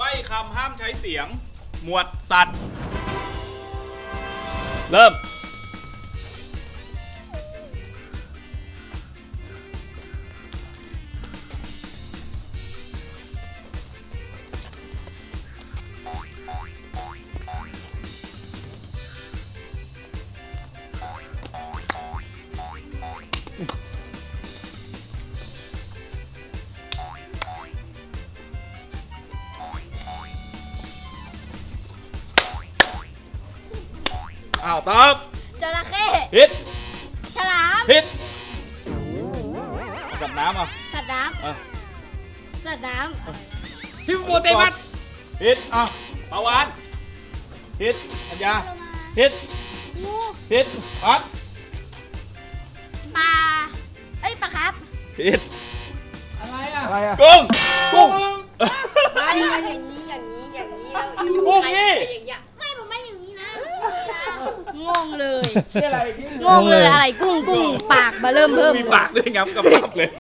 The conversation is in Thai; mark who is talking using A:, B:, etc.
A: บ้คำห้ามใช้เสียง หมวดสัตว์ เริ่มอ้าวตอบ
B: จระเข้
A: ผิด
B: ฉลาม
A: ผิดสัตว์น้ำอ่ะ
B: สัตว์น้
A: อ่ะ
B: ำสัตว์น้
C: ฮิปโปเตมัส
A: ผิดอ่ะปลาวานผิดอัญญา
B: ำ
A: ผิด
B: งู
A: ผิดปั๊บ
B: ปลาเอ้ยปลาครับ
A: ผิด
C: อะไรอ่ะ
D: อะไรอ่ะ
A: กุ้ง
C: กุ้ง
E: ไม่อย่างนี้แล้ว
C: กุ้งนี่
E: อย่างเงี้ย
B: ไม่ผมไม่อย่างนี้นะงงเลย
C: นี่อะไรที่
B: งงเลยอะไรกุ้งปากมาเริ่ม
A: มีปากด้วยงับกับปับเลย